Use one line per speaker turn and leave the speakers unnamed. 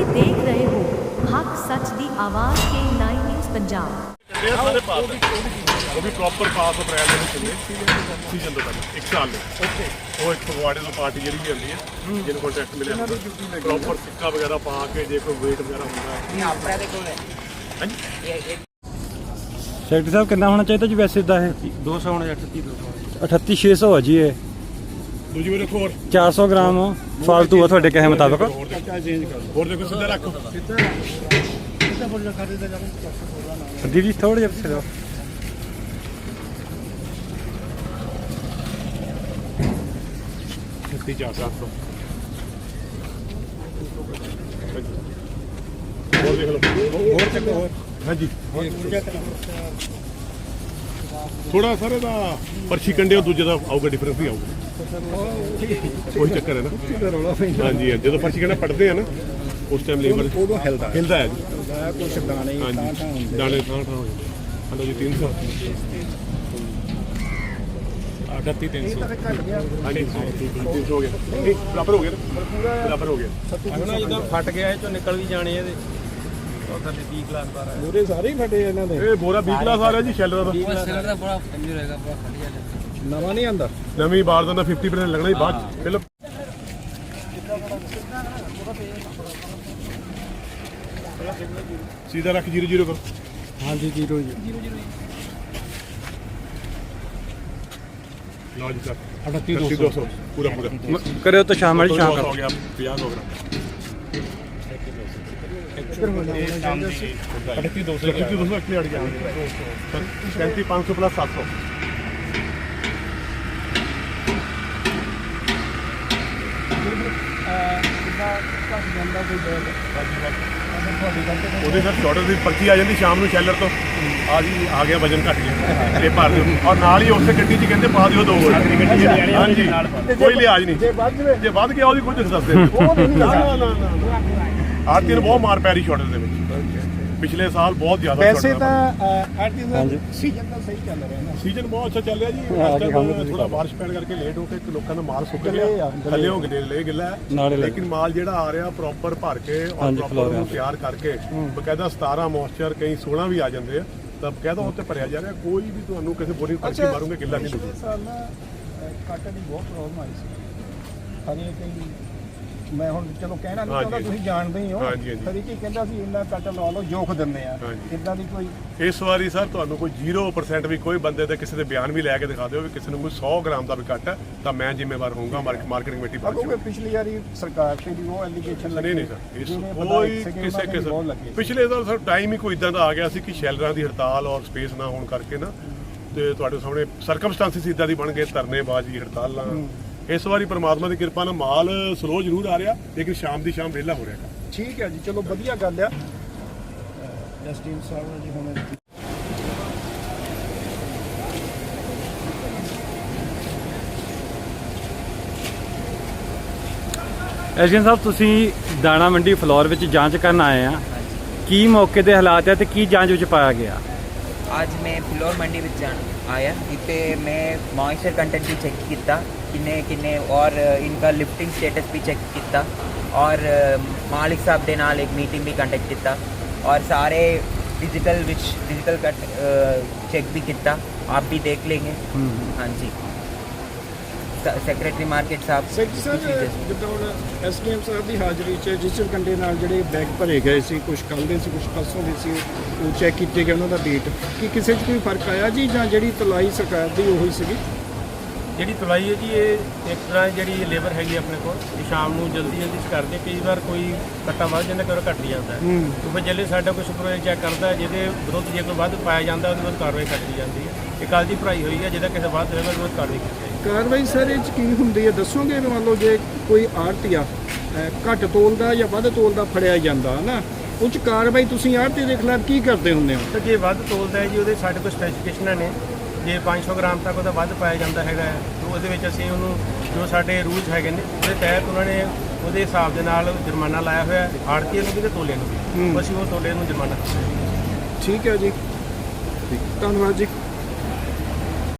ਤੁਸੀਂ ਦੇਖ ਰਹੇ ਹੋ ਹੱਕ ਸੱਚ ਦੀ ਆਵਾਜ਼ ਕੇ 9 ਨਿਊਜ਼ ਪੰਜਾਬ।
ਸਾਰੇ ਪਾਸ ਉਹ ਵੀ ਪ੍ਰੋਪਰ ਪਾਸ ਅਪ੍ਰੈਲ ਦੇ ਵਿੱਚ ਸੀਜ਼ਨ ਤੋਂ ਪਹਿਲਾਂ 1 ਸਾਲ ਲਈ ਓਕੇ। ਉਹ ਇੱਕ ਫਗਵਾੜੇ ਤੋਂ ਪਾਰਟੀ ਜਿਹੜੀ ਵੀ ਆਉਂਦੀ ਹੈ ਜਿਹਨੂੰ ਕੰਟੈਕਟ ਮਿਲਿਆ ਪ੍ਰੋਪਰ ਸਿੱਕਾ ਵਗੈਰਾ ਪਾ ਕੇ ਜੇ ਕੋਈ ਵੇਟ ਵਗੈਰਾ ਹੁੰਦਾ ਹੈ
ਆਪਣੇ ਦੇ ਕੋਲ ਹੈ
ਹਾਂਜੀ।
ਸੈਕਟਰੀ ਸਾਹਿਬ ਕਿੰਨਾ ਹੋਣਾ ਚਾਹੀਦਾ ਜੀ ਵੈਸੇ ਇਦਾਂ ਇਹ
200 ਹੋਣਾ
38600 ਹੈ ਜੀ ਇਹ
ਦੂਜੀ ਵਾਰ ਦੇਖੋ ਹੋਰ
400 ਗ੍ਰਾਮ ਫਾਲਤੂ ਆ ਤੁਹਾਡੇ ਕਹੇ ਮੁਤਾਬਕ।
ਹੋਰ ਦੇਖੋ ਸਿੱਧਾ ਰੱਖੋ
ਦੀਦੀ ਥੋੜਾ ਜਿਹਾ ਪਿੱਛੇ ਜਾਓ।
ਛੱਤੀ 400 ਹੋਰ ਦੇਖ ਲਓ ਹੋਰ ਚੱਕੋ ਹੋਰ ਹਾਂਜੀ ਥੋੜਾ ਸਾਰੇ ਦਾ ਪਰਚੀ ਕੰਡੇ ਦੂਜੇ ਦਾ ਆਊਗਾ ਡਿਫਰੈਂਸ ਹੀ ਆਊਗਾ ਕੋਈ ਚੱਕਰ ਹੈ ਨਾ। ਹਾਂਜੀ ਜਦੋਂ ਪਰਚੀ ਕੰਡਾ ਪੜਦੇ ਆ ਨਾ ਉਸ ਟਾਈਮ ਲੇਬਰ
ਉਦੋਂ ਹਿਲਦਾ
ਹੈ ਜੀ
ਕੁਛ ਦਾਣੇ
ਹਾਂਜੀ ਦਾਣੇ ਥਾਂ ਹੋ ਜਾਂਦੇ। ਹਲੋ ਜੀ 300 38300 ਹਾਂਜੀ 300 ਹੋ ਗਿਆ ਨਹੀਂ ਬਰਾਬਰ ਹੋ ਗਿਆ ਨਾ ਬਰਾਬਰ ਹੋ ਗਿਆ
ਨਾ ਜਦੋਂ ਫਟ ਗਿਆ ਇਹ ਚੋਂ ਨਿਕਲ ਵੀ ਜਾਣੇ ਇਹਦੇ ਉਹ ਥੱਲੇ 20 ਕਲਾਸ ਬਾਰ ਹੈ
ਮੂਰੇ ਸਾਰੇ ਹੀ ਫਟੇ ਇਹਨਾਂ ਦੇ।
ਇਹ ਬੋਰਾ 20 ਕਲਾਸ ਆ ਰਿਹਾ ਜੀ ਸ਼ੈਲਰ ਦਾ
ਸਿਲਰ ਦਾ ਬੜਾ ਕੰਜਰ ਹੈਗਾ ਬੜਾ ਖੜੀਆ
ਨਵਾਂ ਨਹੀਂ ਆਂਦਾ
ਨਵੀਂ ਬਾਰ ਦਾ 50% ਲੱਗਣਾ ਹੀ ਬਾਅਦ ਚ। ਪਹਿਲਾਂ सीधा रख 00 कर।
हाँ जी 0
लो जी सर 38200 पूरा पूरा
करो तो शाम वाली शाम
हो गया 50 ग्राम 38200 एक्चुअली अड़ गया 33500 प्लस 700 ਉਹਦੇ ਸਰ ਸ਼ਾਰਟਰ ਦੀ ਪਰਚੀ ਆ ਜਾਂਦੀ ਸ਼ਾਮ ਨੂੰ ਸ਼ੈਲਰ ਤੋਂ ਆ ਜੀ ਆ ਗਿਆ ਵਜਨ ਘਟ ਗਿਆ ਇਹ ਭਰ ਦਿਓ ਔਰ ਨਾਲ ਹੀ ਉਸੇ ਗੱਡੀ 'ਚ ਕਹਿੰਦੇ ਪਾ ਦਿਓ 2 ਹੋਰ ਹਾਂਜੀ ਕੋਈ ਲਿਹਾਜ਼ ਨਹੀਂ ਜੇ ਵੱਧ ਗਿਆ ਉਹਦੀ ਕੁਝ ਦੱਸਦੇ ਨਾ ਆਰਤੀ ਨੂੰ ਬਹੁਤ ਮਾਰ ਪੈ ਰਹੀ ਸ਼ਾਰਟਰ ਦੇ ਵਿੱਚ ਪਿਛਲੇ ਸਾਲ ਬਹੁਤ ਜ਼ਿਆਦਾ
ਵੈਸੇ ਤਾਂ ਆਰਟੀਜ਼ਨ ਸੀਜ਼ਨ ਤਾਂ ਸਹੀ ਚੱਲ ਰਿਹਾ ਨਾ।
ਸੀਜ਼ਨ ਬਹੁਤ ਅੱਛਾ ਚੱਲ ਰਿਹਾ ਜੀ ਥੋੜਾ ਬਾਰਿਸ਼ ਪੈਣ ਕਰਕੇ ਲੇਟ ਹੋ ਕੇ ਲੋਕਾਂ ਦਾ ਮਾਲ ਸੁੱਕ ਗਿਆ ਥੱਲੇ ਹੋ ਗਏ ਲੈ ਗਿੱਲਾ ਲੇਕਿਨ ਮਾਲ ਜਿਹੜਾ ਆ ਰਿਹਾ ਪ੍ਰੋਪਰ ਭਰ ਕੇ ਔਰ ਪ੍ਰੋਪਰ ਉਹਨੂੰ ਤਿਆਰ ਕਰਕੇ ਬਕਾਇਦਾ 17 ਮੋਇਸਚਰ ਕਈ 16 ਵੀ ਆ ਜਾਂਦੇ ਆ ਤਾਂ ਬਕਾਇਦਾ ਉੱਤੇ ਭਰਿਆ ਜਾ ਰਿਹਾ ਕੋਈ ਵੀ ਤੁਹਾਨੂੰ ਕਿਸੇ ਬੋਰੀ ਪਰਚੀ ਮਾਰੂਗੇ ਗਿੱਲਾ ਨਹੀਂ
ਪਿਛਲੇ ਸਾਲ ਨਾ ਕਾਟਨ ਦੀ ਬਹੁਤ ਪ੍ਰੋਬਲਮ ਆਈ ਸੀ ਹਰੇ ਕਈ ਮੈਂ ਹੁਣ ਚਲੋ ਕਹਿਣਾ ਨਹੀਂ ਚਾਹੁੰਦਾ ਤੁਸੀਂ ਜਾਣਦੇ ਹੀ ਹੋ ਹਰੇ ਕੀ ਕਹਿੰਦਾ ਸੀ ਇੰਨਾ ਕੱਟ ਲਾ ਲਓ ਜੋਖ ਦਿੰਦੇ ਆ ਇਦਾਂ ਦੀ ਕੋਈ
ਇਸ ਵਾਰੀ ਸਰ ਤੁਹਾਨੂੰ ਕੋਈ 0% ਵੀ ਕੋਈ ਬੰਦੇ ਦੇ ਕਿਸੇ ਦੇ ਬਿਆਨ ਵੀ ਲੈ ਕੇ ਦਿਖਾ ਦਿਓ ਵੀ ਕਿਸੇ ਨੂੰ ਕੋਈ 100 ਗ੍ਰਾਮ ਦਾ ਵੀ ਕੱਟ ਹੈ ਤਾਂ ਮੈਂ ਜ਼ਿੰਮੇਵਾਰ ਹੋਊਂਗਾ ਮਾਰਕੀਟਿੰਗ ਕਮੇਟੀ
ਕਿਉਂਕਿ ਪਿਛਲੀ ਵਾਰੀ ਸਰਕਾਰ ਤੇ ਵੀ ਉਹ ਐਲੀਗੇਸ਼ਨ ਲੱਗੇ
ਨਹੀਂ ਸਰ ਇਸ ਕੋਈ ਕਿਸੇ ਪਿਛਲੇ ਸਾਲ ਸਰ ਟਾਈਮ ਹੀ ਕੋਈ ਇਦਾਂ ਦਾ ਆ ਗਿਆ ਸੀ ਕਿ ਸ਼ੈਲਰਾਂ ਦੀ ਹੜਤਾਲ ਔਰ ਸਪੇਸ ਨਾ ਹੋਣ ਕਰਕੇ ਨਾ ਤੇ ਤੁਹਾਡੇ ਸਾਹਮਣੇ ਸਰਕਮਸਟੈਂਸਿਸ ਇਦਾਂ ਦੀ ਬਣ ਗਏ ਧਰਨੇਬਾਜ਼ੀ ਹੜਤਾਲਾਂ। ਇਸ ਵਾਰੀ ਪਰਮਾਤਮਾ ਦੀ ਕਿਰਪਾ ਨਾਲ ਮਾਲ ਸਲੋ ਜ਼ਰੂਰ ਆ ਰਿਹਾ ਲੇਕਿਨ ਸ਼ਾਮ ਦੀ ਸ਼ਾਮ ਵਿਹਲਾ ਹੋ ਰਿਹਾ।
ਠੀਕ ਹੈ ਜੀ ਚਲੋ ਵਧੀਆ ਗੱਲ ਆ। ਜਸਟਿਨ ਸਾਹਿਬ ਜੀ ਹੁਣ
ਐਸਡੀਐਮ ਸਾਹਿਬ ਤੁਸੀਂ ਦਾਣਾ ਮੰਡੀ ਫਲੋਰ ਵਿੱਚ ਜਾਂਚ ਕਰਨ ਆਏ ਆ ਕੀ ਮੌਕੇ ਦੇ ਹਾਲਾਤ ਹੈ ਤੇ ਕੀ ਜਾਂਚ ਵਿੱਚ ਪਾਇਆ ਗਿਆ?
आज मैं फ्लोर मंडी में आया इतने मैं मॉइस्चर कंटेंट भी चेक किया किन्ने और इनका लिफ्टिंग स्टेटस भी चेक किया और मालिक साहब के नाल एक मीटिंग भी कंडक्ट किया और सारे डिजिटल कट चेक भी किया आप भी देख लेंगे। हाँ जी ਸੈਕਟਰੀ ਮਾਰਕੀਟ ਸਾਹਿਬ
ਜਿੱਦਾਂ ਹੁਣ ਐਸਡੀਐਮ ਸਾਹਿਬ ਦੀ ਹਾਜ਼ਰੀ 'ਚ ਡਿਜੀਟਲ ਕੰਡੇ ਨਾਲ ਜਿਹੜੇ ਬੈਗ ਭਰੇ ਗਏ ਸੀ ਕੁਝ ਕੱਲ੍ਹ ਦੇ ਸੀ ਕੁਝ ਪਰਸੋਂ ਦੇ ਸੀ ਉਹ ਚੈੱਕ ਕੀਤੇ ਗਏ ਉਹਨਾਂ ਦਾ ਡੇਟ ਕੀ ਕਿਸੇ 'ਚ ਕੋਈ ਫਰਕ ਆਇਆ ਜੀ ਜਾਂ ਜਿਹੜੀ ਤੁਲਾਈ ਸਰਕਾਰ ਦੀ ਉਹੀ ਸੀਗੀ?
ਜਿਹੜੀ ਤੁਲਾਈ ਹੈ ਜੀ ਇਹ ਇੱਕ ਤਰ੍ਹਾਂ ਜਿਹੜੀ ਲੇਬਰ ਹੈਗੀ ਆਪਣੇ ਕੋਲ ਇਹ ਸ਼ਾਮ ਨੂੰ ਜਲਦੀ ਕਰਦੇ ਕਈ ਵਾਰ ਕੋਈ ਕੱਟਾ ਵੱਧ ਜਾਂਦਾ ਕਈ ਵਾਰ ਘੱਟ ਜਾਂਦਾ ਉਹ ਫਿਰ ਜਿਹੜੇ ਸਾਡਾ ਕੋਈ ਸੁਪਰਵਾਈਜ਼ਰ ਚੈੱਕ ਕਰਦਾ ਜਿਹਦੇ ਵਿਰੁੱਧ ਜੇ ਕੋਈ ਵੱਧ ਪਾਇਆ ਜਾਂਦਾ ਉਹਦੇ ਵਿਰੁੱਧ ਕਾਰਵਾਈ ਕੀਤੀ ਜਾਂਦੀ ਹੈ। ਇਹ ਕੱਲ੍ਹ ਦੀ ਭਰਾਈ ਹੋਈ ਹੈ ਜਿਹਦਾ ਕਿਸੇ ਵੱਧ ਹੋਵੇਗਾ ਉਹਦੇ ਵਿਰੁੱਧ ਕਾਰਵਾਈ ਕੀਤੀ ਜਾਏਗੀ।
ਕਾਰਵਾਈ ਸਰ ਇਹ 'ਚ ਕੀ ਹੁੰਦੀ ਹੈ ਦੱਸੋਗੇ? ਮੰਨ ਲਓ ਜੇ ਕੋਈ ਆੜ੍ਹਤੀਆ ਘੱਟ ਤੋਲਦਾ ਜਾਂ ਵੱਧ ਤੋਲਦਾ ਫੜਿਆ ਜਾਂਦਾ ਨਾ ਉਹ 'ਚ ਕਾਰਵਾਈ ਤੁਸੀਂ ਆੜ੍ਹਤੀ ਦੇ ਖਿਲਾਫ ਕੀ ਕਰਦੇ ਹੁੰਦੇ ਹੋ?
ਤਾਂ ਜੇ ਵੱਧ ਤੋਲਦਾ ਹੈ ਜੀ ਉਹਦੇ ਸਾਡੇ ਕੋਲ ਸਪੈਸੀਫਿਕੇਸ਼ਨਾਂ ਨੇ ਜੇ 500 ਗ੍ਰਾਮ ਤੱਕ ਉਹਦਾ ਵੱਧ ਪਾਇਆ ਜਾਂਦਾ ਹੈਗਾ ਤਾਂ ਉਹਦੇ ਵਿੱਚ ਅਸੀਂ ਉਹਨੂੰ ਜੋ ਸਾਡੇ ਰੂਲਸ ਹੈਗੇ ਨੇ ਉਹਦੇ ਤਹਿਤ ਉਹਨਾਂ ਨੇ ਉਹਦੇ ਹਿਸਾਬ ਦੇ ਨਾਲ ਜੁਰਮਾਨਾ ਲਾਇਆ ਹੋਇਆ ਆੜ੍ਹਤੀਏ ਨੂੰ ਵੀ ਤੇ ਤੋਲੇ ਨੂੰ ਵੀ ਅਸੀਂ ਉਹ ਤੋਲੇ ਨੂੰ ਜੁਰਮਾਨਾ।
ਠੀਕ ਹੈ ਜੀ ਧੰਨਵਾਦ ਜੀ।